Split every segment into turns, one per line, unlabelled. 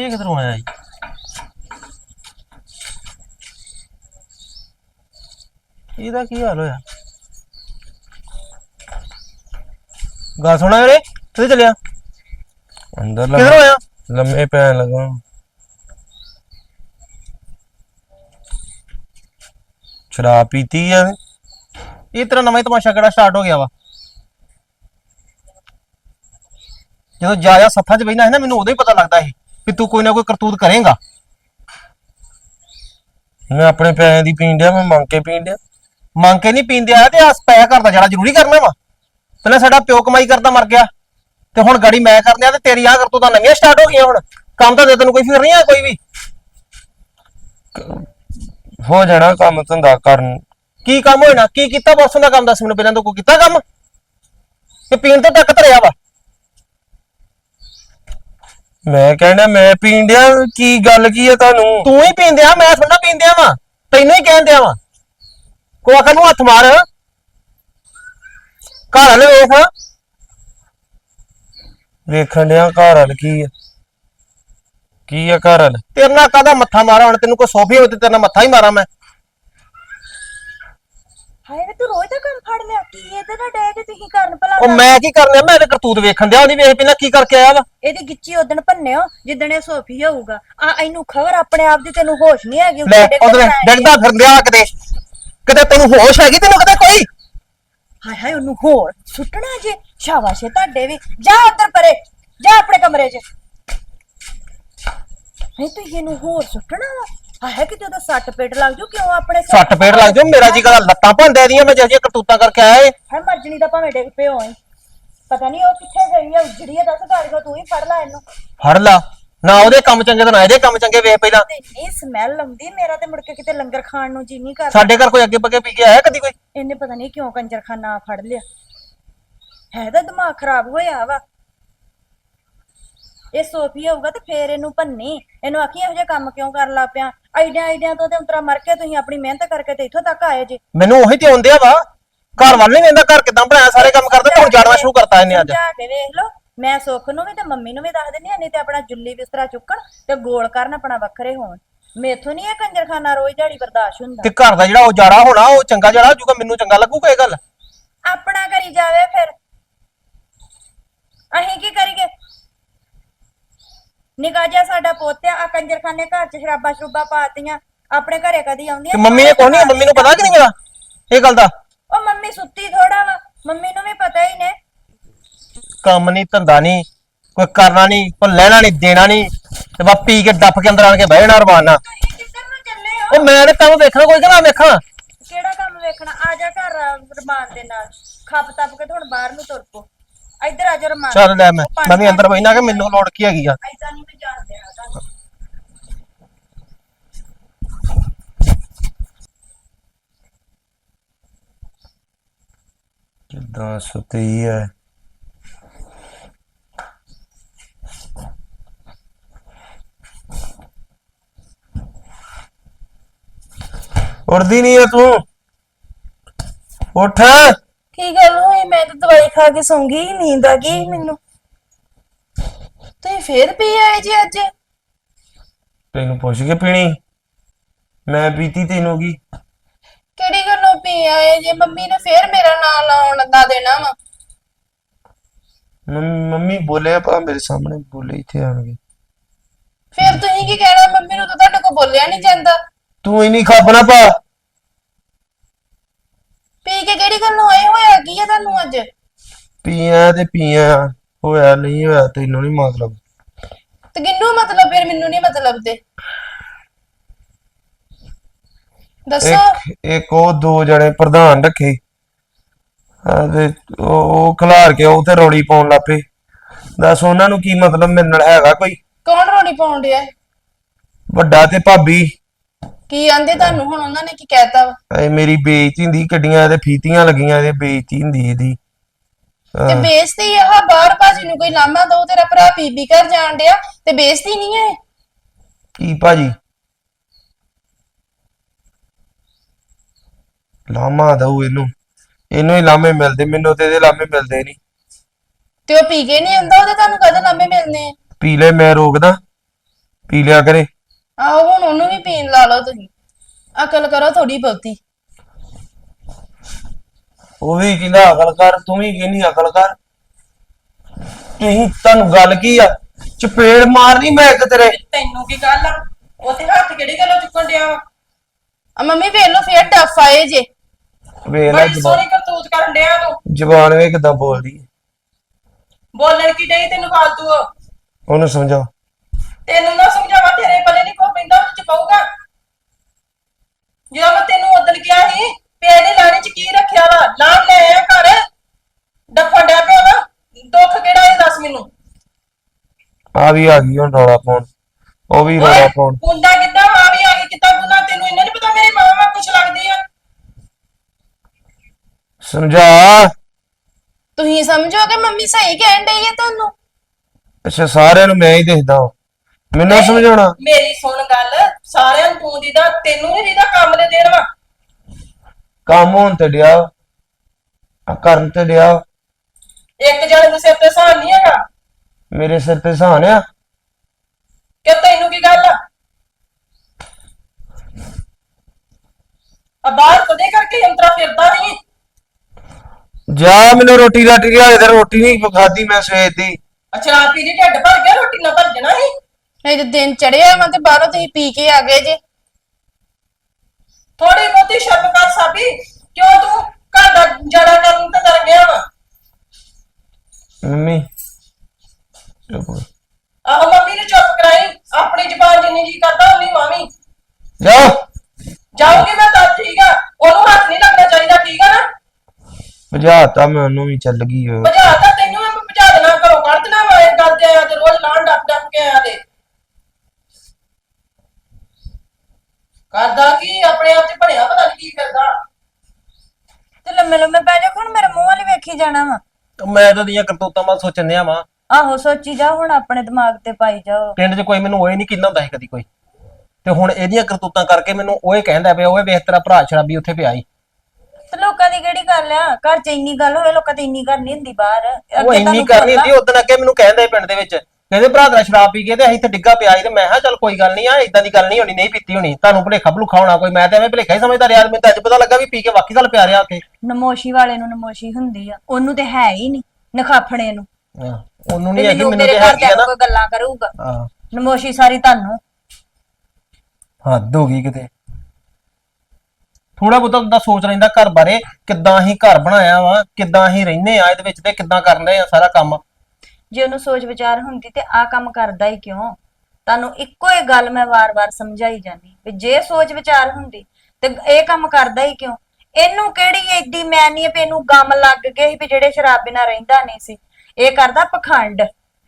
ਇਹ ਕਿਧਰੋਂ ਆਇਆ ਜੀ? ਇਹਦਾ ਕੀ ਹਾਲ ਹੋਇਆ? ਗੱਲ ਸੁਣਾ ਵੀਰੇ, ਕਿੱਥੇ ਚੱਲਿਆ?
ਅੰਦਰ
ਕਿਧਰੋਂ ਆਇਆ?
ਲੰਮੇ ਪੈਣ ਲੱਗਾ। ਸ਼ਰਾਬ ਪੀਤੀ ਆ?
ਇਹ ਤੇਰਾ ਨਵਾਂ ਹੀ ਤਮਾਸ਼ਾ ਕਿਹੜਾ ਸਟਾਰਟ ਹੋ ਗਿਆ ਵਾ? ਜਦੋਂ ਜਾ ਸੱਥਾਂ 'ਚ ਬਹਿਣਾ ਹੈ ਨਾ, ਮੈਨੂੰ ਉਦੋਂ ਹੀ ਪਤਾ ਲੱਗਦਾ ਸੀ ਵੀ ਤੂੰ ਕੋਈ ਨਾ ਕੋਈ ਕਰਤੂਤ ਕਰੇਂਗਾ।
ਮੈਂ ਆਪਣੇ ਪੈਸਿਆਂ ਦੀ ਪੀਣ ਡਿਆ, ਮੈਂ ਮੰਗ ਕੇ ਪੀਣ ਡਿਆ।
ਮੰਗ ਕੇ ਨਹੀਂ ਪੀਂਦੇ ਆ ਤੇ ਆਸ ਪੈਸਾ ਕਰਦਾ ਜਿਹੜਾ ਜ਼ਰੂਰੀ ਕਰਨਾ ਵਾ। ਪਹਿਲਾਂ ਸਾਡਾ ਪਿਓ ਕਮਾਈ ਕਰਦਾ ਮਰ ਗਿਆ ਤੇ ਹੁਣ ਗਾੜੀ ਮੈਂ ਕਰਨੇ ਆ ਤੇ ਤੇਰੀ ਆ ਕਰਤੂਤਾਂ ਨਵੀਆਂ ਸਟਾਰਟ ਹੋ ਗਈਆਂ। ਹੁਣ ਕੰਮ ਤਾਂ ਦੇ ਤੈਨੂੰ ਕੋਈ ਫਿਕਰ ਨਹੀਂ ਆ ਕੋਈ ਵੀ?
ਹੋ ਜਾਣਾ ਕੰਮ ਧੰਦਾ ਕਰਨ।
ਕੀ ਕੰਮ ਹੋਣਾ? ਕੀ ਕੀਤਾ ਪਰਸੋਂ ਦਾ ਕੰਮ? ਦੱਸ ਮੈਨੂੰ ਪਹਿਲਾਂ। ਤੋਂ ਕੋਈ ਕੀਤਾ ਕੰਮ ਤੇ ਪੀਣ ਤੋਂ ਟੱਕ ਧਰਿਆ ਵਾ?
ਮੈਂ ਕਹਿਣਾ ਮੈਂ ਪੀਣ ਡਿਆ, ਕੀ ਗੱਲ ਕੀ ਆ ਤੁਹਾਨੂੰ?
ਤੂੰ ਹੀ ਪੀਂਦੇ ਆ, ਮੈਂ ਥੋੜਾ ਪੀਂਦੇ ਆ ਵਾ। ਤੈਨੂੰ ਹੀ ਕਹਿਣ ਦਿਆ ਵਾ। ਕੋਈ ਆਖਰ ਨੂੰ ਹੱਥ ਮਾਰ। ਘਰ ਵਾਲੇ ਵੇਖ।
ਵੇਖਣ ਡਿਆ ਘਰ ਵਾਲ ਕੀ ਆ? ਕੀ ਆ ਘਰ ਵਾਲ?
ਤੇਰੇ ਨਾਲ ਕਾਹਦਾ ਮੱਥਾ ਮਾਰਾ? ਹੁਣ ਤੈਨੂੰ ਕੋਈ ਸੋਫੀ ਹੋਵੇ ਤੇ ਤੇਰੇ ਨਾਲ ਮੱਥਾ ਹੀ ਮਾਰਾਂ ਮੈਂ।
ਹਾਏ ਵੇ ਤੂੰ ਰੋਜ਼ ਦਾ ਕੰਮ ਫੜ ਲਿਆ। ਕੀ ਇਹਦੇ ਨਾਲ ਡੈ ਕੇ ਤੁਸੀਂ ਕਰਨ ਭਲਾ?
ਉਹ ਮੈਂ ਕੀ ਕਰਨਾ? ਮੈਂ ਤੇ ਕਰਤੂਤ ਵੇਖਣ ਦਿਆ। ਉਹਦੀ ਵੇਖ ਪਹਿਲਾਂ ਕੀ ਕਰਕੇ ਆਇਆ ਵਾ।
ਇਹਦੀ ਗਿੱਚੀ ਉਦਣ ਭੰਨਿਓ ਜਿੱਦਣ ਇਹ ਸੋਫੀ ਹੋਊਗਾ। ਆ ਇਹਨੂੰ ਖਬਰ ਆਪਣੇ ਆਪ ਦੀ ਤੈਨੂੰ ਹੋਸ਼ ਨਹੀਂ ਹੈਗੀ।
ਲੈ ਉਹਦੇ ਡਿੱਗਦਾ ਫਿਰਦਿਆ ਕਿਤੇ ਕਿਤੇ ਤੈਨੂੰ ਹੋਸ਼ ਹੈਗੀ ਤੈਨੂੰ ਕਿਤੇ ਕੋਈ?
ਹਾਏ ਹਾਏ ਉਹਨੂੰ ਹੋਰ ਸੁੱਟਣਾ ਜੇ? ਸ਼ਾਬਾਸ਼ ਏ ਤੁਹਾਡੇ ਵੀ। ਜਾ ਉੱਧਰ ਪਰੇ, ਜਾ ਆਪਣੇ ਕਮਰੇ 'ਚ। ਨਹੀਂ ਤੂੰ ਇਹਨੂੰ ਹੋਰ ਸੁੱਟਣਾ ਵਾ? ਹਾਏ ਕਿਤੇ ਉਹਦਾ ਸੱਟ ਪੇਟ ਲੱਗ ਜੂ। ਕਿਉਂ ਆਪਣੇ
ਸੱਟ ਪੇਟ ਲੱਗ ਜਾਊ? ਮੇਰਾ ਜੀ ਗੱਲ ਲੱਤਾਂ ਭੰਦੇ ਦੀਆਂ ਮੈਂ ਜਿਹੜੀਆਂ ਕਰਤੂਤਾਂ ਕਰਕੇ ਆਇਆ ਏ।
ਹੈ ਮਰਜਣੀ ਦਾ ਭਾਵੇਂ ਡਿੱਗ ਪਿਓ ਏ। ਪਤਾ ਨਹੀਂ ਉਹ ਕਿੱਥੇ ਗਈ ਆ, ਉਜੜੀ ਆ। ਦੱਸ ਕਰ ਤੂੰ ਹੀ ਫੜ ਲੈ ਇਹਨੂੰ।
ਫੜ ਲਾ ਨਾ। ਉਹਦੇ ਕੰਮ ਚੰਗੇ ਤਾਂ ਨਾ ਇਹਦੇ ਕੰਮ ਚੰਗੇ। ਵੇਖ ਪਹਿਲਾਂ
ਇੰਨੀ ਸਮੈਲ ਆਉਂਦੀ। ਮੇਰਾ ਤੇ ਮੁੜ ਕੇ ਕਿਤੇ ਲੰਗਰ ਖਾਣ ਨੂੰ ਜੀ ਨਹੀਂ ਕਰਦਾ।
ਸਾਡੇ ਘਰ ਕੋਈ ਅੱਗੇ ਪੱਗੇ ਪੀ ਕੇ ਆਇਆ ਕਦੀ ਕੋਈ?
ਇਹਨੇ ਪਤਾ ਨਹੀਂ ਕਿਉਂ ਕੰਜਰਖਾਨਾ ਫੜ ਲਿਆ। ਹੈ ਤਾਂ ਦਿਮਾਗ ਖਰਾਬ ਹੋਇਆ ਵਾ। ਇਹ ਸੋਫੀ ਹੋਊਗਾ ਤੇ ਫੇਰ ਇਹਨੂੰ ਭੰਨੀ। ਇਹਨੂੰ ਆਖੀ ਇਹੋ ਜਿਹਾ ਕੰਮ ਕਿਉਂ ਕਰਨ ਲੱਗ ਪਿਆ? ਆਈਡੀਆਂ ਤੋਂ ਤੇ ਉਤਰਾ ਮਰ ਕੇ ਤੁਸੀਂ ਆਪਣੀ ਮਿਹਨਤ ਕਰਕੇ ਤੇ ਇੱਥੋਂ ਤੱਕ ਆਏ ਜੇ।
ਮੈਨੂੰ ਉਹੀ ਤੇ ਆਉਂਦੇ ਆ ਵਾ। ਘਰ ਵੱਲ ਨਹੀਂ ਵੇਂਦਾ। ਘਰ ਕਿਦਾਂ ਬਣਾਇਆ? ਸਾਰੇ ਕੰਮ ਕਰਦਾ ਤੇ ਹੁਣ ਜਾਣਵਾ ਸ਼ੁਰੂ ਕਰਤਾ ਇਹਨੇ ਅੱਜ।
ਜਾ ਕੇ ਵੇਖ ਲਓ। ਮੈਂ ਸੁੱਖ ਨੂੰ ਵੀ ਤੇ ਮੰਮੀ ਨੂੰ ਵੀ ਦੱਸ ਦਿੰਦੀ ਆ। ਨਹੀਂ ਤੇ ਆਪਣਾ ਜੁੱਲੀ ਬਿਸਤਰਾ ਚੁੱਕਣ ਤੇ ਗੋਲ ਕਰਨ, ਆਪਣਾ ਵੱਖਰੇ ਹੋਣ। ਮੇਥੋਂ ਨਹੀਂ ਇਹ ਕੰਜਰਖਾਨਾ ਰੋਜ਼ ਦਿਹਾੜੀ ਬਰਦਾਸ਼ਤ ਹੁੰਦਾ।
ਤੇ ਘਰ ਦਾ ਜਿਹੜਾ ਉਜਾੜਾ ਹੋਣਾ ਉਹ ਚੰਗਾ ਜੜਾ ਹੋਜੂਗਾ। ਮੈਨੂੰ ਚੰਗਾ ਲੱਗੂਗਾ ਇਹ ਗੱਲ।
ਆਪਣਾ ਕਰੀ ਜਾਵੇ ਫਿਰ। ਅਸੀਂ ਕੀ ਕਰੀਏ? ਨਿਕਾ ਜਿਹਾ ਸਾਡਾ ਪੋਤਿਆ ਆ ਕੰਜਰਖਾਨੇ ਘਰ 'ਚ ਸ਼ਰਾਬਾਂ ਸ਼ਰੂਬਾਂ ਪਾਤੀਆਂ। ਆਪਣੇ ਘਰੇ ਕਦੀ ਆਉਂਦੀਆਂ
ਤੇ ਮੰਮੀ ਨੇ ਕੋਈ ਨਹੀਂ? ਮੰਮੀ ਨੂੰ ਪਤਾ ਕਿ ਨਹੀਂ ਪਤਾ ਇਹ ਗੱਲ ਦਾ?
ਉਹ ਮੰਮੀ ਸੁੱਤੀ ਥੋੜਾ ਵਾ। ਮੰਮੀ ਨੂੰ ਵੀ ਪਤਾ ਹੀ ਨੇ।
ਕੰਮ ਨਹੀਂ ਧੰਦਾ ਨਹੀਂ ਕੋਈ ਕਰਨਾ ਨਹੀਂ, ਕੋਈ ਲੈਣਾ ਨਹੀਂ ਦੇਣਾ ਨਹੀਂ ਤੇ ਬਸ ਪੀ ਕੇ ਡੱਫ ਕੇ ਅੰਦਰ ਆਣ ਕੇ ਬਹਿ ਜਾਣਾ ਰਮਾਨ ਨਾਲ।
ਤੁਸੀਂ ਕਿੱਧਰ ਨੂੰ ਚੱਲੇ ਹੋ?
ਉਹ ਮੈਂ ਤੇ ਕੰਮ ਵੇਖਣਾ ਕੋਈ ਕਿ ਨਾ ਵੇਖਾਂ?
ਕਿਹੜਾ ਕੰਮ ਵੇਖਣਾ? ਆ ਜਾ ਘਰ ਰਮਾਨ ਦੇ ਨਾਲ। ਖੱਪ ਤੱਪ ਕੇ ਹੁਣ ਬਾਹਰ ਨੂੰ ਤੁਰ ਪੋ। ਇੱਧਰ ਆ ਜਾ ਰਮਾਨ।
ਚੱਲ ਲੈ ਮੈਂ ਵੀ ਅੰਦਰ ਬੈਠਣਾ ਕਿ ਮੈਨੂੰ ਲੋੜ ਕੀ ਹੈਗੀ ਆ?
ਐਦਾਂ ਨਹੀਂ ਮੈਂ ਜਾਣ ਦੇਣਾ ਤੁਹਾਨੂੰ।
ਕਿੱਦਾਂ ਸੁੱਤੀ ਹੈ? ਉੱਠਦੀ ਨਹੀਂ ਹੈ ਤੂੰ? ਉੱਠ।
ਕੀ ਗੱਲ ਹੋਈ? ਮੈਂ ਤਾਂ ਦਵਾਈ ਖਾ ਕੇ ਸੌਂ ਗਈ। ਨੀਂਦ ਆ ਗਈ ਮੈਨੂੰ। ਤੁਸੀਂ ਫੇਰ ਪੀ ਆਏ ਜੀ ਅੱਜ?
ਤੈਨੂੰ ਪੁੱਛ ਕੇ ਪੀਣੀ? ਮੈਂ ਪੀਤੀ ਤੈਨੂੰ ਕੀ?
ਕਿਹੜੀ ਗੱਲੋਂ ਪੀ ਆਏ ਜੇ? ਮੰਮੀ ਨੇ ਫੇਰ ਮੇਰਾ ਨਾਂ ਲਾਉਣ ਦਾ ਦੇਣਾ ਵਾ।
ਮੰਮੀ ਬੋਲਿਆ ਪਾ ਮੇਰੇ ਸਾਹਮਣੇ ਬੋਲੇ ਇੱਥੇ ਆਣਗੇ।
ਫੇਰ ਤੁਸੀਂ ਕੀ ਕਹਿਣਾ? ਮੰਮੀ ਨੂੰ ਤਾਂ ਤੁਹਾਡੇ ਕੋਲ ਬੋਲਿਆ ਨਹੀਂ ਜਾਂਦਾ।
ਤੂੰ ਹੀ ਨਹੀਂ ਖਾਪਣਾ ਪਾ।
ਪੀ ਕੇ ਕਿਹੜੀ ਗੱਲੋਂ ਆਏ? ਹੋਇਆ ਕੀ ਆ ਤੁਹਾਨੂੰ ਅੱਜ?
ਪੀਆ ਤੇ ਪੀਆ, ਹੋਇਆ ਨਹੀਂ ਹੋਇਆ ਤੈਨੂੰ ਨਹੀਂ ਮਤਲਬ।
ਤੇ ਕਿੰਨੂੰ ਮਤਲਬ? ਫਿਰ ਮੈਨੂੰ ਨਹੀਂ ਮਤਲਬ ਤੇ ਦੱਸੋ।
ਇੱਕ ਉਹ ਦੋ ਜਣੇ ਪ੍ਰਧਾਨ ਰੱਖੇ ਤੇ ਉਹ ਖਿਲਾਰ ਕੇ ਉਹ ਤੇ ਰੌਲੀ ਪਾਉਣ ਲੱਪੇ। ਦੱਸ ਉਹਨਾਂ ਨੂੰ ਕੀ ਮਤਲਬ? ਮੇਰੇ ਨਾਲ ਹੈਗਾ ਕੋਈ?
ਕੌਣ ਰੋਣੀ ਪਾਉਣ ਡਿਆ?
ਵੱਡਾ ਤੇ ਭਾਬੀ।
ਕੀ ਆਂਦੇ ਤੁਹਾਨੂੰ ਹੁਣ? ਉਹਨਾਂ ਨੇ ਕੀ ਕਹਿਤਾ ਵਾ?
ਇਹ ਮੇਰੀ ਬੇਇੱਜ਼ਤੀ ਹੁੰਦੀ। ਕਿੱਡੀਆਂ ਇਹਦੇ ਫੀਤੀਆਂ ਲੱਗੀਆਂ, ਇਹਦੇ ਬੇਇੱਜ਼ਤੀ ਹੁੰਦੀ ਇਹਦੀ।
ਤੇ ਬੇਇੱਜ਼ਤੀ ਆ ਬਾਹਰ ਭਾਜੀ ਨੂੰ ਕੋਈ ਲਾਮਾ ਦੋ। ਤੇਰਾ ਭਰਾ ਬੀਬੀ ਘਰ ਜਾਣ ਡਿਆ ਤੇ ਬੇਇੱਜ਼ਤੀ ਨਹੀਂ ਹੈ?
ਕੀ ਭਾਜੀ ਲਾਮਾ ਦਊ ਇਹਨੂੰ ਹੀ ਲਾਮੇ ਮਿਲਦੇ। ਮੈਨੂੰ ਤੇ ਇਹਦੇ ਲਾਮੇ ਮਿਲਦੇ ਨਹੀਂ।
ਤੇ ਉਹ ਪੀ ਕੇ ਨਹੀਂ ਆਉਂਦਾ? ਉਹਦੇ ਤੁਹਾਨੂੰ ਕਦੋਂ ਲਾਮੇ ਮਿਲਨੇ ਆ?
ਪੀ ਲੈ ਮੈਂ ਰੋਕਦਾ? ਪੀ ਲਿਆ ਕਰੇ।
ਆਹੋ ਹੁਣ ਉਹਨੂੰ ਵੀ ਪੀਣ ਲਾ ਲਓ ਤੁਸੀਂ। ਅਕਲ ਕਰੋ ਥੋੜੀ ਬਹੁਤੀ।
ਉਹ ਵੀ ਕਹਿੰਦਾ ਅਕਲ ਕਰ, ਤੂੰ ਵੀ ਕਹਿੰਦੀ ਅਕਲ ਕਰ। ਤੁਸੀਂ ਤੁਹਾਨੂੰ ਗੱਲ ਕੀ ਆ? ਚਪੇੜ ਮਾਰਨੀ ਮੈਂ ਇੱਕ ਤੇਰੇ।
ਤੈਨੂੰ ਕੀ ਗੱਲ ਆ? ਉੱਥੇ ਹੱਥ ਕਿਹੜੀ ਗੱਲੋਂ ਚੁੱਕਣ ਡਿਆ ਵਾ?
ਆ ਮੰਮੀ ਵੇਖ ਲਓ ਫੇਰ ਡੱਫ ਆਏ ਜੇ।
ਵੇਖ ਲੈ
ਬੜੀ ਸੋਹਣੀ ਕਰਤੂਤ ਕਰਨ ਡਿਆ ਤੂੰ।
ਜ਼ਬਾਨ ਵੇ ਕਿਦਾਂ ਬੋਲਦੀ।
ਬੋਲਣ ਕੀ ਡਈ ਤੈਨੂੰ ਫਾਲਤੂ?
ਉਹਨੂੰ ਸਮਝਾਓ।
ਤੈਨੂੰ ਨਾ ਸਮਝਾਵਾ, ਤੇਰੇ ਪੱਲੇ ਨਹੀਂ ਕੋ ਪੈਂਦਾ, ਉਹ ਚ ਪਊਗਾ। ਜਦੋਂ ਮੈਂ ਤੈਨੂੰ ਉਦੋਂ ਕਿਹਾ ਸੀ ਪੇ ਦੀ ਲਾਣੀ ਚ ਕੀ ਰੱਖਿਆ ਵਾ, ਲਾਣ ਲੈ ਆਇਆ ਘਰ ਡੱਫਾ ਡਿਆ ਪਿਆ ਵਾ। ਦੁੱਖ ਕਿਹੜਾ ਇਹ ਦੱਸ ਮੈਨੂੰ।
ਆ ਵੀ ਆ ਗਈ ਹੁਣ ਰੌਲਾ ਪਾਉਣ, ਉਹ ਵੀ ਰੌਲਾ ਪਾਉਣ।
ਕੁੰਡਾ ਕਿੱਦਾਂ ਆ ਵੀ ਆ ਗਈ, ਕਿੱਦਾਂ ਕੁੰਡਾ? ਤੈਨੂੰ ਇਹਨਾਂ ਨਹੀਂ ਪਤਾ ਮੇਰੀ ਮਾਂ ਵਾ ਕੁਛ ਲੱਗਦੀ ਆ?
ਸਮਝਾ।
ਤੁਸੀਂ ਸਮਝੋਗੇ ਮੰਮੀ ਸਹੀ ਕਹਿਣ ਡਈ ਹੈ ਤੁਹਾਨੂੰ।
ਅੱਛਾ ਸਾਰਿਆਂ ਨੂੰ ਮੈਂ ਹੀ ਦੇਖਦਾ ਹਾਂ, ਮੈਨੂੰ ਸਮਝਾਉਣਾ।
ਮੇਰੀ ਸੁਣ ਗੱਲ, ਸਾਰਿਆਂ ਨੂੰ ਤੂੰ ਦੀਦਾ, ਤੈਨੂੰ ਨਹੀਂ ਦੀਦਾ ਕੰਮ ਦੇ ਦੇਣ ਵਾ।
ਕੰਮ ਹੋਣ ਤੇ ਡਿਆ, ਆ ਕਰਨ ਤੇ ਡਿਆ।
ਇੱਕ ਜਣੇ ਦੇ ਸਿਰ ਤੇ ਸਹਾਨ ਨਹੀਂ ਹੈਗਾ।
ਮੇਰੇ ਸਿਰ ਤੇ ਸਹਾਨ ਆ।
ਕਿ ਤੈਨੂੰ ਕੀ ਗੱਲ ਆ? ਆ ਬਾਹਰ ਕਦੇ ਕਰਕੇ ਯੰਤਰਾ ਫਿਰਦਾ ਨਹੀਂ।
ਜਾ ਮੈਨੂੰ ਰੋਟੀ ਰਾਟੀ ਲਿਆ ਦੇ, ਰੋਟੀ ਨਹੀਂ ਖਾਦੀ ਮੈਂ ਸਵੇਰ ਦੀ।
ਸ਼ਰਾਬ ਪੀ ਲਈ ਢਿੱਡ ਭਰ ਗਿਆ, ਰੋਟੀ ਨਾ ਭਰ ਜਾਣਾ ਸੀ।
ਇਹ ਦਿਨ ਚੜਿਆ ਵਾ ਤੇ ਬਾਹਰੋਂ ਤੁਸੀਂ ਪੀ ਕੇ ਆ ਗਏ ਜੇ।
ਥੋੜੀ ਬਹੁਤੀ ਸ਼ਰਮ ਕਰ ਸਾਬੀ, ਕਿਉਂ ਤੂੰ ਘਰ ਦਾ ਜੜਾ ਕਰਨ ਤੇ ਡਰ ਗਿਆ ਵਾ?
ਮੰਮੀ ਚੁੱਪ ਕਰ।
ਆਹੋ ਮੰਮੀ ਨੂੰ ਚੁੱਪ ਕਰਾਈ, ਆਪਣੀ ਜ਼ਬਾਨ ਜਿੰਨੀ ਜੀ ਕਰਦਾ ਉਨੀ ਮਾਵੀ।
ਜਾ
ਜਾਊਗੀ ਮੈਂ ਤਾਂ ਠੀਕ ਆ, ਉਹਨੂੰ ਹੱਥ ਨਹੀਂ ਲੱਗਣਾ ਚਾਹੀਦਾ, ਠੀਕ ਆ ਨਾ?
ਭਜਾਤਾ ਮੈਂ ਉਹਨੂੰ ਵੀ, ਚੱਲ ਗਈ ਉਹ।
ਭਜਾ ਤਾਂ ਤੈਨੂੰ ਮੈਂ ਭਜਾ ਦੇਣਾ, ਘਰੋਂ ਕੱਢ ਦੇਣਾ ਵਾ। ਇਹ ਗੱਲ ਤੇ ਆਇਆ ਤੇ ਰੋਜ਼ ਲਾਣ ਡੱਫ ਕੇ ਆਇਆ ਤੇ ਕਰਦਾ ਕੀ ਆਪਣੇ ਆਪ ਤੇ ਬਣਿਆ ਪਤਾ ਨਹੀਂ ਕੀ ਕਰਦਾ।
ਤੇ ਲੰਮੇ ਲੰਮੇ ਪੈ ਜਾ, ਹੁਣ ਮੇਰੇ ਮੂੰਹ ਵਾਲੀ ਵੇਖੀ ਜਾਣਾ ਵਾ।
ਮੈਂ ਤਾਂ ਦੀਆਂ ਕਰਤੂਤਾਂ ਮੈਂ ਸੋਚਣ ਡਿਆ ਵਾਂ।
ਆਹੋ ਸੋਚੀ ਜਾ, ਹੁਣ ਆਪਣੇ ਦਿਮਾਗ ਤੇ ਪਾਈ ਜਾਓ।
ਪਿੰਡ 'ਚ ਕੋਈ ਮੈਨੂੰ ਓਏ ਨਹੀਂ ਕਹਿੰਦਾ ਹੁੰਦਾ ਸੀ ਕਦੀ ਕੋਈ, ਤੇ ਹੁਣ ਇਹਦੀਆਂ ਕਰਤੂਤਾਂ ਕਰਕੇ ਮੈਨੂੰ ਓਏ ਕਹਿੰਦਾ ਪਿਆ, ਓਏ ਵੇਖ ਤੇਰਾ ਭਰਾ ਸ਼ਰਾਬੀ ਉੱਥੇ ਪਿਆ ਈ।
ਤੇ ਲੋਕਾਂ ਦੀ ਕਿਹੜੀ ਗੱਲ ਆ? ਘਰ 'ਚ ਇੰਨੀ ਗੱਲ ਹੋਵੇ, ਲੋਕਾਂ ਦੀ ਇੰਨੀ ਗੱਲ ਨਹੀਂ ਹੁੰਦੀ ਬਾਹਰ।
ਉਹ
ਅੱਗੇ
ਇੰਨੀ
ਤੁਹਾਨੂੰ
ਕਰਨੀ
ਪਤਾ-
ਹੁੰਦੀ। ਉਦੋਂ ਅੱਗੇ ਮੈਨੂੰ ਕਹਿੰਦੇ ਪਿੰਡ ਦੇ ਵਿੱਚ, ਕਹਿੰਦੇ ਭਰਾ ਤੇਰਾ ਸ਼ਰਾਬ ਪੀ ਕੇ ਤੇ ਅਸੀਂ ਇੱਥੇ ਡਿੱਗਾ ਪਿਆ ਸੀ, ਤੇ ਮੈਂ ਕਿਹਾ ਚੱਲ ਕੋਈ ਗੱਲ ਨਹੀਂ ਆ, ਇਦਾਂ ਦੀ ਗੱਲ ਨਹੀਂ ਹੋਣੀ, ਨਹੀਂ ਪੀਤੀ ਹੋਣੀ, ਤੁਹਾਨੂੰ ਭੁਲੇਖਾ ਭੁਲੂਖਾ ਹੋਣਾ ਕੋਈ। ਮੈਂ ਤਾਂ ਐਵੇਂ ਭੁਲੇਖਾ ਹੀ ਸਮਝਦਾ ਰਿਹਾ, ਮੈਨੂੰ ਤਾਂ ਅੱਜ ਪਤਾ ਲੱਗਾ ਵੀ ਪੀ ਕੇ ਵਾਕਈ ਗੱਲ ਪਿਆ ਰਿਹਾ ਉੱਥੇ।
ਨਮੋਸ਼ੀ ਵਾਲੇ ਨੂੰ ਨਮੋਸ਼ੀ ਹੁੰਦੀ ਆ, ਉਹਨੂੰ ਤੇ ਹੈ ਹੀ ਨਹੀਂ ਨਖਾਫਣੇ ਨੂੰ।
ਹਾਂ, ਉਹਨੂੰ
ਤੇ
ਨਹੀਂ ਹੈਗੀ, ਮੈਨੂੰ
ਮੇਰੇ
ਤੇ
ਘਰ
ਹੈਗੀ ਆ
ਜਾ
ਨਾ।
ਕੋਈ ਗੱਲਾਂ ਕਰੂਗਾ।
ਹਾਂ,
ਨਮੋਸ਼ੀ ਸਾਰੀ ਤੁਹਾਨੂੰ।
ਹੱਦ ਹੋ ਗਈ ਕਿਤੇ। ਥੋੜਾ ਬਹੁਤਾ ਬੰਦਾ ਸੋਚ ਲੈਂਦਾ ਘਰ ਬਾਰੇ, ਕਿੱਦਾਂ ਅਸੀਂ ਘਰ ਬਣਾਇਆ ਵਾ, ਕਿੱਦਾਂ ਅਸੀਂ ਰਹਿੰਦੇ ਆ ਇਹਦੇ ਵਿੱਚ, ਤੇ ਕਿੱਦਾਂ ਕਰਦੇ ਆ ਸਾਰਾ ਕੰਮ।
ਜੇ ਉਹਨੂੰ ਸੋਚ ਵਿਚਾਰ ਹੁੰਦੀ ਤੇ ਆ ਕੰਮ ਕਰਦਾ ਹੀ ਕਿਉਂ? ਤੁਹਾਨੂੰ ਇੱਕੋ ਹੀ ਗੱਲ ਮੈਂ ਵਾਰ-ਵਾਰ ਸਮਝਾਈ ਜਾਂਦੀ ਵੀ ਜੇ ਸੋਚ ਵਿਚਾਰ ਹੁੰਦੀ ਤੇ ਇਹ ਕੰਮ ਕਰਦਾ ਹੀ ਕਿਉਂ? ਇਹਨੂੰ ਕਿਹੜੀ ਏਡੀ ਮੈਨੀ ਹੈ ਵੀ ਇਹਨੂੰ ਗਮ ਲੱਗ ਗਏ ਸੀ ਵੀ ਜਿਹੜੇ ਸ਼ਰਾਬ ਬਿਨਾ ਰਹਿੰਦਾ ਨਹੀਂ ਸੀ। ਇਹ ਕਰਦਾ ਪਖੰਡ,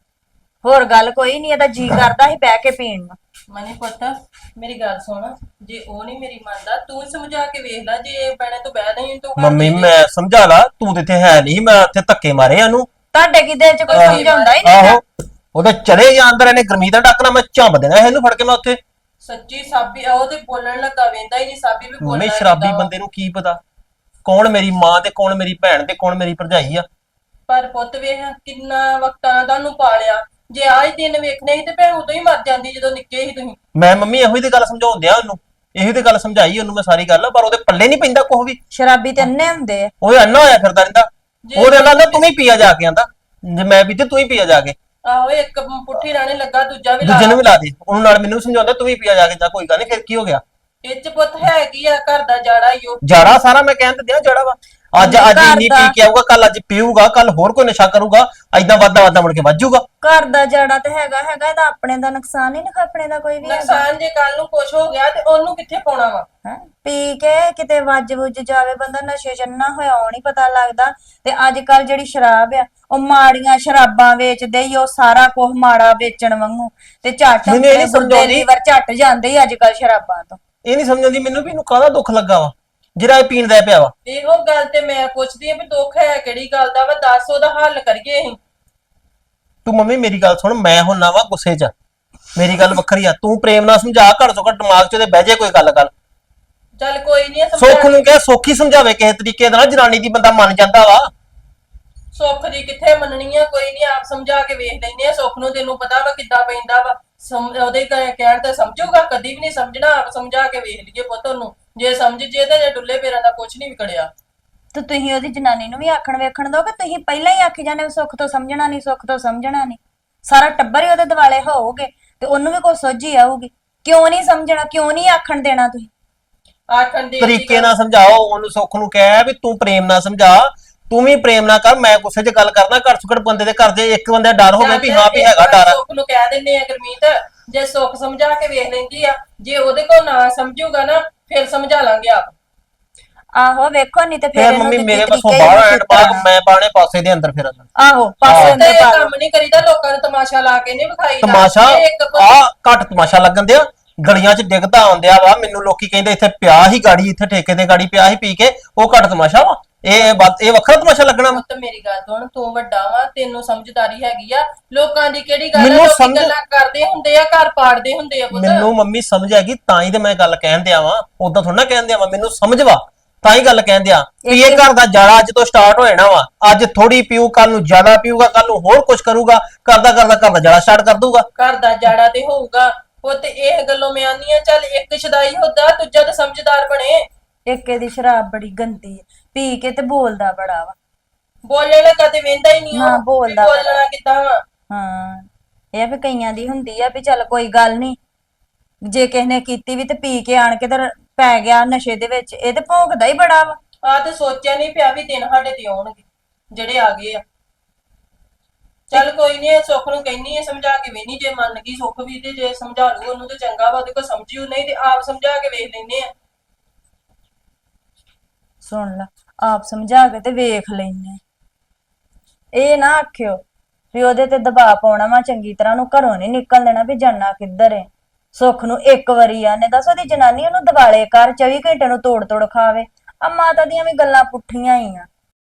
ਹੋਰ ਗੱਲ ਕੋਈ ਨਹੀਂ। ਇਹਦਾ ਜੀ ਕਰਦਾ ਸੀ ਬਹਿ ਕੇ ਪੀਣ ਨੂੰ।
ਮਨੀ ਪੁੱਤ ਮੇਰੀ ਗੱਲ ਸੁਣ, ਜੇ ਉਹ ਨਹੀਂ ਮੇਰੀ ਮੰਨਦਾ ਤੂੰ ਸਮਝਾ ਕੇ ਵੇਖ ਲੈ। ਜੇ ਪੈਣੇ ਤੋਂ ਬਹਿ ਨਹੀਂ ਤੂੰ
ਮੰਮੀ ਮੈਂ ਸਮਝਾ ਲਾ, ਤੂੰ ਤੇ ਇੱਥੇ ਹੈ ਨਹੀਂ, ਮੈਂ ਇੱਥੇ ਧੱਕੇ ਮਾਰੇ ਇਹਨੂੰ।
ਤੁਹਾਡੇ ਕੀ ਦਿਲ 'ਚ ਕੋਈ ਸਮਝਾਉਂਦਾ ਹੀ ਨਹੀਂ?
ਆਹੋ, ਉਹਦੇ ਚਲੇ ਜਾਂ ਅੰਦਰ, ਇਹਨੇ ਗਰਮੀ ਦਾ ਡੱਕਣਾ, ਮੈਂ ਝੰਬ ਦੇਣਾ ਇਹਨੂੰ ਫੜ ਕੇ ਮੈਂ ਉੱਥੇ।
ਸੱਚੀ ਸਾਬੀ ਉਹ ਤੇ ਬੋਲਣ ਲੱਗਾ, ਵੇਂਦਾ ਹੀ ਨਹੀਂ ਸਾਬੀ ਵੀ ਬੋਲਣਾ।
ਮੰਮੀ ਸ਼ਰਾਬੀ ਬੰਦੇ ਨੂੰ ਕੀ ਪਤਾ ਕੌਣ ਮੇਰੀ ਮਾਂ ਤੇ ਕੌਣ ਮੇਰੀ ਭੈਣ ਤੇ ਕੌਣ ਮੇਰੀ ਭਰਜਾਈ ਆ।
ਪਰ ਪੁੱਤ ਵੇਖ ਕਿੰਨਾ ਵਕਤਾਂ ਨਾਲ ਤੁਹਾਨੂੰ ਪਾਲਿਆ। ਜੇ ਆਜ ਦਿਨ ਵੇਖਣੇ ਸੀ ਤੇ ਭੈਣ ਉਦੋਂ ਹੀ ਮਰ ਜਾਂਦੀ ਜਦੋਂ ਨਿੱਕੇ ਸੀ ਤੁਸੀਂ।
ਮੈਂ ਮੰਮੀ ਇਹੋ ਹੀ ਤੇ ਗੱਲ ਸਮਝਾਉਣ ਦਿਆ ਉਹਨੂੰ, ਇਹੋ ਤੇ ਗੱਲ ਸਮਝਾਈ ਉਹਨੂੰ ਮੈਂ ਸਾਰੀ ਗੱਲ, ਪਰ ਉਹਦੇ ਪੱਲੇ ਨਹੀਂ ਪੈਂਦਾ ਕੁਛ ਵੀ।
ਸ਼ਰਾਬੀ ਤੇ ਅੰਨੇ ਹੁੰਦੇ ਆ।
ਉਹ ਅੰਨਾ ਹੋਇਆ ਫਿਰਦਾ ਰਹਿੰਦਾ। ਉਹਦੇ ਕਹਿੰਦਾ ਤੂੰ ਵੀ ਪੀਆ ਜਾ ਕੇ, ਆਂਦਾ ਜੇ ਮੈਂ ਪੀਤੇ ਤੂੰ ਹੀ ਪੀਆ ਜਾ ਕੇ।
ਆਹੋ ਇੱਕ ਪੁੱਠੀ ਰਾਣੇ ਲੱਗਾ, ਦੂਜਾ ਵੀ ਲਾ।
ਦੂਜੇ ਨੂੰ ਵੀ ਲਾ ਦੇ, ਉਹਨੂੰ ਨਾਲ ਮੈਨੂੰ ਸਮਝਾਉਂਦਾ ਤੂੰ ਵੀ ਪੀਆ ਜਾ ਕੇ, ਜਾ ਕੋਈ ਗੱਲ ਨਹੀਂ, ਫਿਰ ਕੀ ਹੋ ਗਿਆ?
ਇਹ ਚ ਪੁੱਤ ਹੈ ਕੀ ਆ, ਘਰ ਦਾ ਜਾੜਾ ਹੀ ਉਹ।
ਜਾੜਾ ਸਾਰਾ ਮੈਂ ਕਹਿਣ ਤੇ ਦਿਆਂ ਜਾੜਾ ਵਾ। ਅੱਜ ਇੰਨੀ ਪੀ ਕੇ ਆਊਗਾ, ਕੱਲ ਅੱਜ ਪੀਊਗਾ, ਕੱਲ ਹੋਰ ਕੋਈ ਨਸ਼ਾ ਕਰੂਗਾ, ਏਦਾਂ ਵਾਦਾ ਮੁੜ ਕੇ ਵੱਜੂਗਾ।
ਘਰ ਦਾ ਜੜਾ ਤੇ ਹੈਗਾ ਇਹਦਾ ਆਪਣੇ ਦਾ ਨੁਕਸਾਨ ਹੀ ਨਾ, ਆਪਣੇ ਦਾ ਕੋਈ ਵੀ ਹੈਗਾ।
ਨੁਕਸਾਨ ਜੇ ਕੱਲ ਨੂੰ ਕੁਛ ਹੋ ਗਿਆ ਤੇ ਉਹਨੂੰ ਕਿੱਥੇ ਪਾਉਣਾ ਵਾ?
ਹੈਂ? ਪੀ ਕੇ ਕਿਤੇ ਵੱਜ ਵੁੱਜ ਜਾਵੇ ਬੰਦਾ, ਨਸ਼ੇ ਚੰਨਾ ਹੋਇਆ ਉਹ ਨਹੀਂ ਪਤਾ ਲੱਗਦਾ। ਤੇ ਅੱਜ ਕੱਲ ਜਿਹੜੀ ਸ਼ਰਾਬ ਆ, ਉਹ ਮਾੜੀਆਂ ਸ਼ਰਾਬਾਂ ਵੇਚਦੇ ਹੀ, ਉਹ ਸਾਰਾ ਕੁਝ ਮਾੜਾ ਵੇਚਣ ਵਾਂਗੂ, ਤੇ ਝੱਟ
ਮੈਨੂੰ ਇਹ ਨੀ ਸਮਝਾਉਂਦੀ।
ਲੀਵਰ ਝੱਟ ਜਾਂਦੇ ਹੀ ਅੱਜ ਕੱਲ ਸ਼ਰਾਬਾਂ ਤੋਂ।
ਇਹ ਨਹੀਂ ਸਮਝਦੀ ਮੈਨੂੰ ਵੀ ਇਹਨੂੰ ਕਾਹਦਾ ਦੁੱਖ ਲੱਗਾ ਵਾ ਜਿਹੜਾ ਇਹ ਪੀਣ ਦਾ ਪਿਆ ਵਾ।
ਇਹੋ ਗੱਲ ਤੇ ਮੈਂ ਪੁੱਛਦੀ ਆ ਵੀ ਦੁੱਖ ਹੈ ਕਿਹੜੀ ਗੱਲ ਦਾ ਵਾ, ਦੱਸ ਉਹਦਾ ਹੱਲ ਕਰੀਏ ਅਸੀਂ।
ਤੂੰ ਮੰਮੀ ਮੇਰੀ ਗੱਲ ਸੁਣ, ਮੈਂ ਹੁੰਨਾ ਵਾ ਗੁੱਸੇ 'ਚ, ਮੇਰੀ ਗੱਲ ਵੱਖਰੀ ਆ। ਤੂੰ ਪ੍ਰੇਮ ਨਾਲ ਸਮਝਾ, ਘੱਟ ਤੋਂ ਘੱਟ ਦਿਮਾਗ 'ਚ ਉਹਦੇ ਬਹਿ ਜੇ ਕੋਈ ਗੱਲ ਕਰ।
ਚੱਲ ਕੋਈ ਨਹੀਂ
ਸੁੱਖ ਨੂੰ ਕਹੇ ਸੌਖੀ ਸਮਝਾਵੇ ਕਿਸੇ ਤਰੀਕੇ ਨਾਲ, ਜਨਾਨੀ ਦੀ ਬੰਦਾ ਮੰਨ ਜਾਂਦਾ ਵਾ।
ਸੁੱਖ ਦੀ ਕਿੱਥੇ ਮੰਨਣੀ ਆ, ਕੋਈ ਨਹੀਂ ਆਪ ਸਮਝਾ ਕੇ ਵੇਖ ਲੈਂਦੇ ਆ। ਸੁੱਖ ਨੂੰ ਤੈਨੂੰ ਪਤਾ ਵਾ ਕਿੱਦਾਂ ਪੈਂਦਾ ਵਾ, ਉਹਦੇ ਕਹਿਣ ਤੇ ਸਮਝੂਗਾ? ਕਦੀ ਵੀ ਨਹੀਂ ਸਮਝਣਾ। ਆਪ ਸਮਝਾ ਕੇ ਵੇਖ ਲਈਏ ਪੁੱਤ ਉਹਨੂੰ, ਜੇ ਸਮਝ ਜੇ ਤੇ ਜੇ ਡੁੱਲੇ ਪੇਰਾਂ ਦਾ ਕੁਝ ਨਹੀਂ ਵਿਗੜਿਆ।
ਤੇ ਤੁਸੀਂ ਉਹਦੀ ਜਨਾਨੀ ਨੂੰ ਵੀ ਆਖਣ ਵੇਖਣ ਦੋ ਕਿ ਤੁਸੀਂ ਪਹਿਲਾਂ ਹੀ ਆਖੀ ਜਾਂਦੇ ਹੋ ਸੁੱਖ ਤੋਂ ਸਮਝਣਾ ਨਹੀਂ, ਸੁੱਖ ਤੋਂ ਸਮਝਣਾ ਨਹੀਂ। ਸਾਰਾ ਟੱਬਰ ਹੀ ਉਹਦੇ ਦਿਵਾਲੇ ਹੋਊਗੇ ਤੇ ਉਹਨੂੰ ਵੀ ਕੋਈ ਸੋਝੀ ਆਊਗੀ। ਕਿਉਂ ਨਹੀਂ ਸਮਝਣਾ, ਕਿਉਂ ਨਹੀਂ ਆਖਣ ਦੇਣਾ ਤੁਸੀਂ?
ਆਖਣ ਦੇ
ਤਰੀਕੇ ਨਾਲ ਸਮਝਾਓ ਉਹਨੂੰ, ਸੁੱਖ ਨੂੰ ਕਹਿ ਵੀ ਤੂੰ ਪ੍ਰੇਮ ਨਾਲ ਸਮਝਾ, ਤੂੰ ਵੀ ਪ੍ਰੇਮ ਨਾਲ ਕਰ, ਮੈਂ ਗੁੱਸੇ 'ਚ ਗੱਲ ਕਰਦਾ। ਘੱਟ ਤੋਂ ਘੱਟ ਬੰਦੇ ਦੇ ਘਰ 'ਚ ਇੱਕ ਬੰਦੇ ਦਾ ਡਰ ਹੋਵੇ ਵੀ ਹਾਂ ਵੀ ਹੈਗਾ ਡਰ।
ਸੁੱਖ ਨੂੰ ਕਹਿ ਦਿੰਦੇ ਆ ਗੁਰਮੀਤ, ਜੇ ਸੁੱਖ ਸਮਝਾ ਕੇ ਵੇਖ ਲੈਂਦੀ ਆ, ਜੇ ਉਹਦੇ ਕੋਲ ਨਾ ਸਮਝੂਗਾ ਨਾ ਫਿਰ ਸਮਝਾ ਲਾਂਗੇ ਆਪ।
ਆਹੋ ਵੇਖੋ, ਨਹੀਂ ਤੇ ਫਿਰ
ਫਿਰ
ਇਹਨੂੰ
ਮੰਮੀ
ਦਿੱਤੀ
ਮੇਰੇ
ਤਰੀਕੇ
ਪਾਸੋਂ
ਹੀ
ਬਾਹਰ
ਨਹੀਂ
ਐਂਡ ਬਾਗ ਮੈਂ ਪਾਣੇ ਪਾਸੇ ਦੇ ਅੰਦਰ ਫਿਰ
ਆਹੋ ਪਾਸੇ
ਤੇ
ਅੰਦਰ
ਇਹ
ਪਾ ਲਓ।
ਕੰਮ ਨਹੀਂ ਕਰੀਦਾ, ਲੋਕਾਂ ਨੂੰ ਤਮਾਸ਼ਾ ਲਾ ਕੇ ਨਹੀਂ ਵਿਖਾਈਦਾ।
ਤਮਾਸ਼ਾ
ਇਹ ਇੱਕ
ਆ ਘੱਟ ਤਮਾਸ਼ਾ ਲੱਗਣ ਦਿਆ, ਗਲੀਆਂ 'ਚ ਡਿੱਗਦਾ ਆਉਂਦਿਆ ਵਾ। ਮੈਨੂੰ ਲੋਕੀ ਕਹਿੰਦੇ ਇੱਥੇ ਪਿਆ ਹੀ ਗਾੜੀ, ਇੱਥੇ ਠੇਕੇ ਤੇ ਗਾੜੀ ਪਿਆ ਹੀ ਪੀ ਕੇ, ਉਹ ਘੱਟ ਤਮਾਸ਼ਾ ਵਾ। ਇਹ ਵੱਖਰਾ ਤਮਾਸ਼ਾ ਲੱਗਣਾ ਵਾ।
ਪੁੱਤ ਮੇਰੀ ਗੱਲ ਸੁਣ, ਤੂੰ ਵੱਡਾ ਵਾ, ਤੈਨੂੰ ਸਮਝਦਾਰੀ ਹੈਗੀ ਆ। ਲੋਕਾਂ ਦੀ ਕਿਹੜੀ ਗੱਲ ਆ,
ਮੈਨੂੰ
ਲੋਕੀ
ਸਮਝ-
ਗੱਲਾਂ ਕਰਦੇ ਹੁੰਦੇ ਆ, ਘਰ ਪਾੜਦੇ ਹੁੰਦੇ ਆ ਪੁੱਤ।
ਮੈਨੂੰ ਮੰਮੀ ਸਮਝ ਆ ਗਈ, ਤਾਂ ਹੀ ਤੇ ਮੈਂ ਗੱਲ ਕਹਿਣ ਦਿਆ ਵਾਂ। ਉਦਾਂ ਥੋੜਾ ਨਾ ਕਹਿਣ ਦਿਆ ਵਾਂ, ਮੈਨੂੰ ਸਮਝ ਵਾ, ਤਾਂ ਹੀ ਗੱਲ ਕਹਿਣ ਦਿਆ ਵੀ ਇਹ ਘਰ ਦਾ ਜਾਲਾ ਅੱਜ ਤੋਂ ਸਟਾਰਟ ਹੋ ਜਾਣਾ ਵਾ। ਅੱਜ ਥੋੜੀ ਪੀਊ, ਕੱਲ ਨੂੰ ਜ਼ਿਆਦਾ ਪੀਊਗਾ, ਕੱਲ ਨੂੰ ਹੋਰ ਕੁਝ ਕਰੂਗਾ, ਕਰਦਾ ਕਰਦਾ ਘਰ ਦਾ ਜਾਲਾ ਸਟਾਰਟ ਕਰ ਦੂਗਾ।
ਘਰ ਦਾ ਜਾੜਾ ਤੇ ਹੋਊਗਾ ਪੁੱਤ। ਇਹ ਗੱਲੋਂ ਮੈਂ ਆਨੀ ਆ, ਚੱਲ ਇੱਕ ਸ਼ਦਾਈ ਹੁੰਦਾ, ਦੂਜਾ ਤਾਂ ਸਮਝਦਾਰ ਬਣੇ।
ਇੱਕ ਇਹਦੀ ਸ਼ਰਾਬ ਬੜੀ ਗੰਦੀ ਹੈ, ਪੀ ਕੇ ਤੇ ਬੋਲਦਾ ਬੜਾ ਵਾ।
ਬੋਲਣਾ ਕਦੇ ਵੇਂਦਾ ਹੀ ਨਹੀਂ
ਹਾਂ, ਬੋਲਦਾ ਬੜਾ।
ਬੋਲਣਾ ਕਿੱਦਾਂ ਵਾ।
ਹਾਂ, ਇਹ ਵੀ ਕਈਆਂ ਦੀ ਹੁੰਦੀ ਆ ਵੀ ਚੱਲ ਕੋਈ ਗੱਲ ਨਹੀਂ, ਜੇ ਕਿਸੇ ਨੇ ਕੀਤੀ ਵੀ ਤੇ ਪੀ ਕੇ ਆਣ ਕੇ ਤੇ ਪੈ ਗਿਆ ਨਸ਼ੇ ਦੇ ਵਿੱਚ। ਇਹ ਤੇ ਭੋਗਦਾ ਹੀ ਬੜਾ ਵਾ।
ਆ ਤੇ ਸੋਚਿਆ ਨਹੀਂ ਪਿਆ ਵੀ ਦਿਨ ਸਾਡੇ ਤੇ ਆਉਣਗੇ ਜਿਹੜੇ ਆ ਗਏ ਆ। ਚੱਲ ਕੋਈ ਨਹੀਂ, ਸੁੱਖ ਨੂੰ ਕਹਿਨੀ ਆ ਸਮਝਾ ਕੇ ਵੇਨੀ, ਜੇ ਮੰਨ ਗਈ ਸੁੱਖ ਵੀ ਤੇ ਜੇ ਸਮਝਾ ਲੂ ਉਹਨੂੰ ਤੇ ਚੰਗਾ ਵਾ, ਉਹਦੇ ਕੋਲ ਸਮਝਿਓ, ਨਹੀਂ ਤੇ ਆਪ ਸਮਝਾ ਕੇ ਵੇਖ ਲੈਨੇ ਆ।
ਸੁਣ ਲਾ, ਆਪ ਸਮਝਾ ਕੇ ਤੇ ਵੇਖ ਲੈਨੇ। ਇਹ ਨਾ ਆਖਿਓ ਵੀ ਉਹਦੇ ਤੇ ਦਬਾਅ ਪਾਉਣਾ ਵਾ, ਚੰਗੀ ਤਰ੍ਹਾਂ ਨੂੰ ਘਰੋਂ ਨਹੀਂ ਨਿਕਲ ਦੇਣਾ ਵੀ ਜਾਣਾ ਕਿੱਧਰ ਏ। ਸੁੱਖ ਨੂੰ ਇੱਕ ਵਾਰੀ ਆਨੇ ਦੱਸ ਉਹਦੀ ਜਨਾਨੀ ਉਹਨੂੰ ਦਿਵਾਲੇ ਕਰ 24 ਘੰਟੇ ਨੂੰ ਤੋੜ ਤੋੜ ਖਾਵੇ। ਆ ਮਾਤਾ ਦੀਆਂ ਵੀ ਗੱਲਾਂ ਪੁੱਠੀਆਂ ਹੀ ਆ।